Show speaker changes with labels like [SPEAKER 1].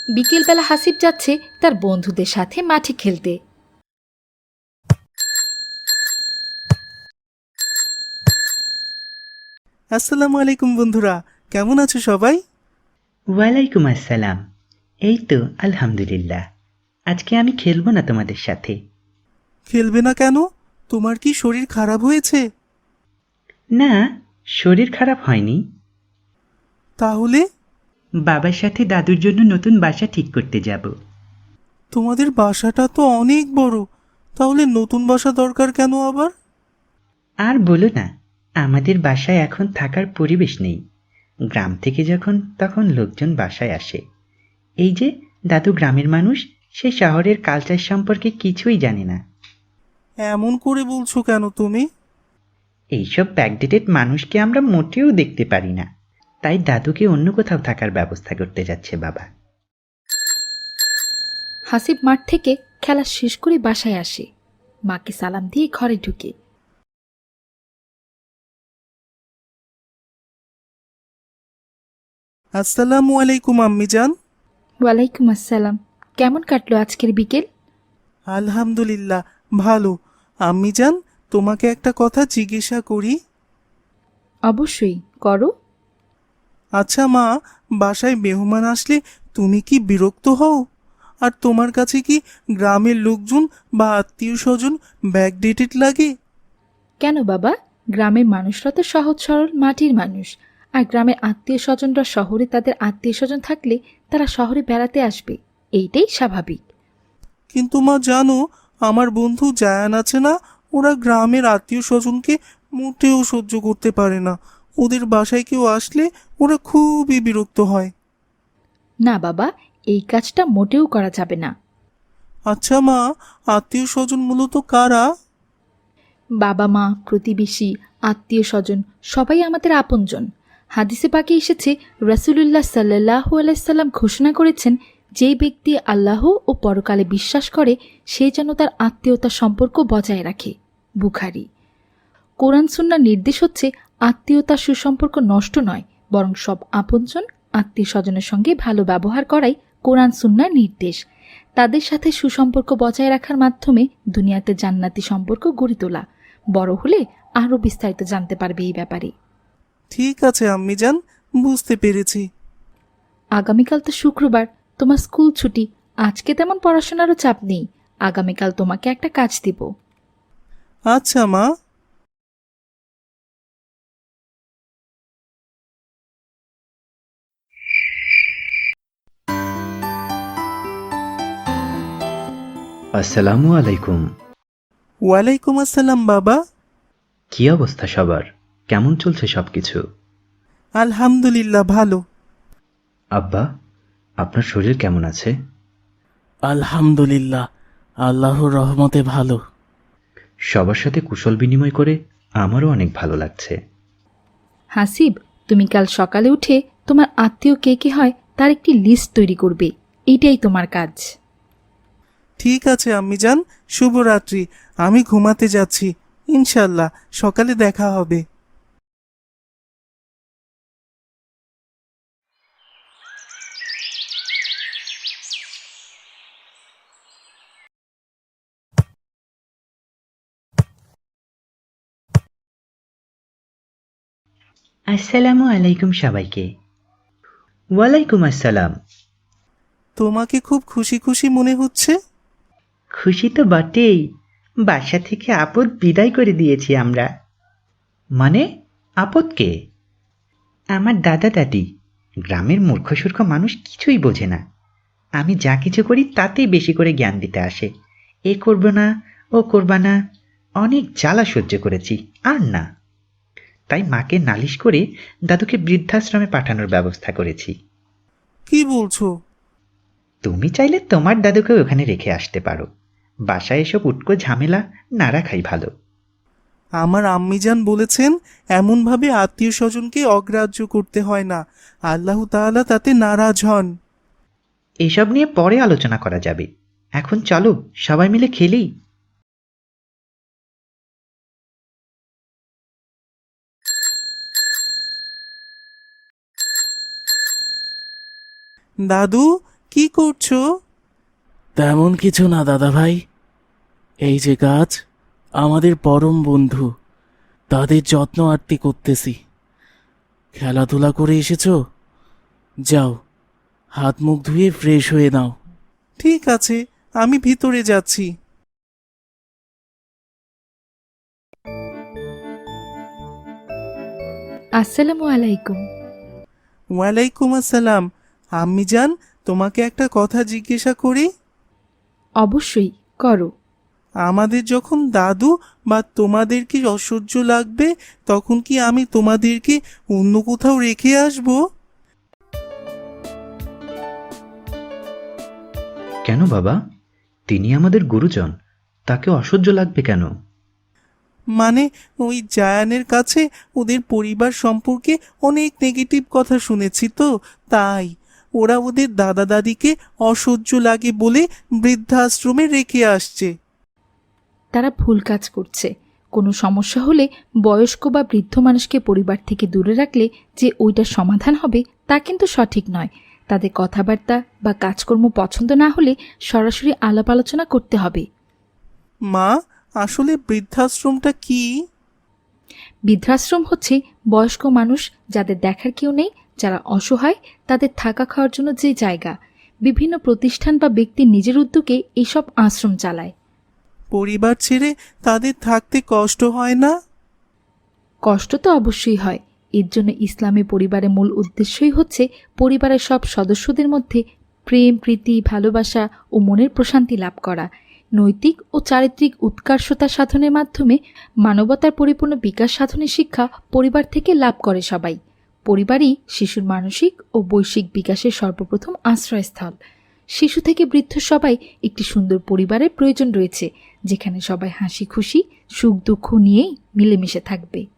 [SPEAKER 1] বিকেলবেলা হাসিব যাচ্ছে তার বন্ধুদের সাথে মাঠে খেলতে।
[SPEAKER 2] আসসালামু আলাইকুম বন্ধুরা, কেমন আছো সবাই?
[SPEAKER 3] ওয়ালাইকুম আসসালাম। এই তো আলহামদুলিল্লাহ। আজকে আমি খেলবো না তোমাদের সাথে।
[SPEAKER 2] খেলবে না কেন? তোমার কি শরীর খারাপ হয়েছে?
[SPEAKER 3] না, শরীর খারাপ হয়নি।
[SPEAKER 2] তাহলে?
[SPEAKER 3] বাবার সাথে দাদুর জন্য নতুন বাসা ঠিক করতে যাব।
[SPEAKER 2] তোমাদের বাসাটা তো অনেক বড়, তাহলে নতুন বাসা দরকার কেন আবার?
[SPEAKER 3] আর বলো না, আমাদের বাসায় এখন থাকার পরিবেশ নেই। গ্রাম থেকে যখন তখন লোকজন বাসায় আসে। এই যে দাদু গ্রামের মানুষ, সে শহরের কালচার সম্পর্কে কিছুই জানে না।
[SPEAKER 2] এমন করে বলছো কেন তুমি?
[SPEAKER 3] এইসব ব্যাকডেটেড মানুষকে আমরা মোটেও দেখতে পারি না। তাই দাদুকে অন্য কোথাও থাকার ব্যবস্থা করতে যাচ্ছে বাবা।
[SPEAKER 1] হাসিব মাঠ থেকে খেলা শেষ করে বাসায় আসে, মাকে সালাম দিয়ে ঘরে ঢুকে।
[SPEAKER 2] আসসালামু আলাইকুম আম্মিজান।
[SPEAKER 1] ওয়ালাইকুম আসসালাম। কেমন কাটলো আজকের বিকেল?
[SPEAKER 2] আলহামদুলিল্লাহ, ভালো। আম্মিজান, তোমাকে একটা কথা জিজ্ঞাসা করি।
[SPEAKER 1] অবশ্যই করো।
[SPEAKER 2] আচ্ছা মা, বাসায় মেহমান আসলে তুমি কি বিরক্ত হও? আর তোমার কাছে কি গ্রামের লোকজন বা আত্মীয় স্বজন ব্যাকডেটেড লাগে?
[SPEAKER 1] কেন বাবা, গ্রামের মানুষরা তো সহজ সরল মাটির মানুষ। আর গ্রামের আত্মীয় স্বজনরা শহরে তাদের আত্মীয় স্বজন থাকলে তারা শহরে বেড়াতে আসবে, এইটাই স্বাভাবিক।
[SPEAKER 2] কিন্তু মা জানো, আমার বন্ধু জায়ান আছে না, ওরা গ্রামের আত্মীয় স্বজনকে মোটেও সহ্য করতে পারে না। ওদের বাসায় কেউ আসলে ওরা খুবই বিরক্ত হয়।
[SPEAKER 1] না বাবা, এই কাজটা মোটেও করা যাবে না।
[SPEAKER 2] আচ্ছা মা, আত্মীয় স্বজন মূলত কারা?
[SPEAKER 1] বাবা মা, প্রতিবেশী, আত্মীয় স্বজন সবাই আমাদের আপনজন। হাদিসে পাকে এসেছে, রাসূলুল্লাহ সাল্লাল্লাহু আলাইহি সাল্লাম ঘোষণা করেছেন, যেই ব্যক্তি আল্লাহ ও পরকালে বিশ্বাস করে সে যেন তার আত্মীয়তার সম্পর্ক বজায় রাখে। বুখারী। কোরআন সুন্নাহর নির্দেশ হচ্ছে আত্মীয়তার সুসম্পর্ক নষ্ট নয়, বরং সব আপনজন আত্মীয় স্বজনের সঙ্গে ভালো ব্যবহার করাই কোরআন সুন্নাহর নির্দেশ। তাদের সাথে সুসম্পর্ক বজায় রাখার মাধ্যমে দুনিয়াতে জান্নাতি সম্পর্ক গড়ে তোলা। বড় হলে আরও বিস্তারিত জানতে পারবে এই ব্যাপারে।
[SPEAKER 2] ঠিক আছে আম্মিজান, বুঝতে পেরেছি।
[SPEAKER 1] আগামীকাল তো শুক্রবার, তোমার স্কুল ছুটি। আজকে তেমন পড়াশোনারও চাপ নেই। আগামীকাল তোমাকে একটা কাজ দিব।
[SPEAKER 2] আচ্ছা মা।
[SPEAKER 3] আসসালামু আলাইকুম।
[SPEAKER 2] ওয়ালাইকুম আসসালাম বাবা।
[SPEAKER 3] কি অবস্থা সবার? কেমন চলছে সবকিছু?
[SPEAKER 2] আলহামদুলিল্লাহ, ভালো।
[SPEAKER 3] আব্বা, আপনার শরীর কেমন আছে?
[SPEAKER 4] আলহামদুলিল্লাহ, আল্লাহর রহমতে ভালো।
[SPEAKER 3] সবার সাথে কুশল বিনিময় করে আমারও অনেক ভালো লাগছে।
[SPEAKER 1] হাসিব, তুমি কাল সকালে উঠে তোমার আত্মীয় কে কে হয় তার একটি লিস্ট তৈরি করবে। এইটাই তোমার কাজ।
[SPEAKER 2] ঠিক আছে আম্মিজান, শুভরাত্রি। আমি ঘুমাতে যাচ্ছি। ইনশাল্লাহ সকালে দেখা হবে।
[SPEAKER 3] আসসালামু আলাইকুম সবাইকে। ওয়ালাইকুম আসসালাম।
[SPEAKER 2] তোমাকে খুব খুশি খুশি মনে হচ্ছে।
[SPEAKER 3] খুশি তো বটেই। বাসা থেকে আপদ বিদায় করে দিয়েছি আমরা। মানে, আপদ কে? আমার দাদা দাদি। গ্রামের মূর্খসূর্খ মানুষ কিছুই বোঝে না। আমি যা কিছু করি তাতেই বেশি করে জ্ঞান দিতে আসে। এ করব না, ও করবা না। অনেক জ্বালা সহ্য করেছি, আর না। তাই মাকে নালিশ করে দাদুকে বৃদ্ধাশ্রমে পাঠানোর ব্যবস্থা করেছি।
[SPEAKER 2] কি বলছো?
[SPEAKER 3] তুমি চাইলে তোমার দাদুকে ওখানে রেখে আসতে পারো। বাসায় এসব উটকো ঝামেলা না রাখাই ভালো।
[SPEAKER 2] আমার আম্মিজান বলেছেন, এমনভাবে আত্মীয় স্বজনকে অগ্রাহ্য করতে হয় না। আল্লাহ তাআলা তাতে নারাজ হন।
[SPEAKER 3] এসব নিয়ে পরে আলোচনা করা যাবে। এখন চলো সবাই মিলে খেলি।
[SPEAKER 2] দাদু, কি করছো?
[SPEAKER 4] তেমন কিছু না দাদা ভাই, এই যে গাছ আমাদের পরম বন্ধু, তাদের যত্ন আরতি করতেছি। খেলাধুলা করে এসেছো? যাও, হাত মুখ ধুয়ে ফ্রেশ হয়ে নাও।
[SPEAKER 2] ঠিক আছে, আমি ভিতরে যাচ্ছি।
[SPEAKER 1] আসসালামু আলাইকুম।
[SPEAKER 2] ওয়ালাইকুম আসসালাম। আম্মি জান, তোমাকে একটা কথা জিজ্ঞাসা করি?
[SPEAKER 1] অবশ্যই করো।
[SPEAKER 2] আমাদের যখন দাদু বা তোমাদের কি অসহ্য লাগবে, তখন কি আমি তোমাদেরকে অন্য কোথাও রেখে আসব?
[SPEAKER 3] কেন বাবা? তিনি আমাদের গুরুজন, তাকে অসহ্য লাগবে কেন?
[SPEAKER 2] মানে ওই জায়ানের কাছে ওদের পরিবার সম্পর্কে অনেক নেগেটিভ কথা শুনেছি তো, তাই ওরা ওদের দাদা দাদিকে অসহ্য লাগে বলে বৃদ্ধাশ্রমে রেখে আসছে।
[SPEAKER 1] তারা ভুল কাজ করছে। কোনো সমস্যা হলে বয়স্ক বা বৃদ্ধ মানুষকে পরিবার থেকে দূরে রাখলে যে ওইটার সমাধান হবে তা কিন্তু সঠিক নয়। তাদের কথাবার্তা বা কাজকর্ম পছন্দ না হলে সরাসরি আলাপ আলোচনা করতে হবে।
[SPEAKER 2] মা, আসলে বৃদ্ধাশ্রমটা কি?
[SPEAKER 1] বৃদ্ধাশ্রম হচ্ছে বয়স্ক মানুষ যাদের দেখার কেউ নেই, যারা অসহায়, তাদের থাকা খাওয়ার জন্য যে জায়গা। বিভিন্ন প্রতিষ্ঠান বা ব্যক্তি নিজের উদ্যোগে এইসব আশ্রম চালায়।
[SPEAKER 2] পরিবার ছেড়ে তাদের থাকতে কষ্ট হয় না?
[SPEAKER 1] কষ্ট তো অবশ্যই হয়। এর জন্য ইসলামী পরিবারের মূল উদ্দেশ্যই হচ্ছে পরিবারের সব সদস্যদের মধ্যে প্রেম, প্রীতি, ভালোবাসা ও মনের প্রশান্তি লাভ করা। নৈতিক ও চারিত্রিক উৎকর্ষতা সাধনের মাধ্যমে মানবতার পরিপূর্ণ বিকাশ সাধনের শিক্ষা পরিবার থেকে লাভ করে সবাই। পরিবারই শিশুর মানসিক ও বৈশ্বিক বিকাশের সর্বপ্রথম আশ্রয়স্থল। শিশু থেকে বৃদ্ধ সবাই একটি সুন্দর পরিবারের প্রয়োজন রয়েছে, যেখানে সবাই হাসি খুশি, সুখ দুঃখ নিয়েই মিলেমিশে থাকবে।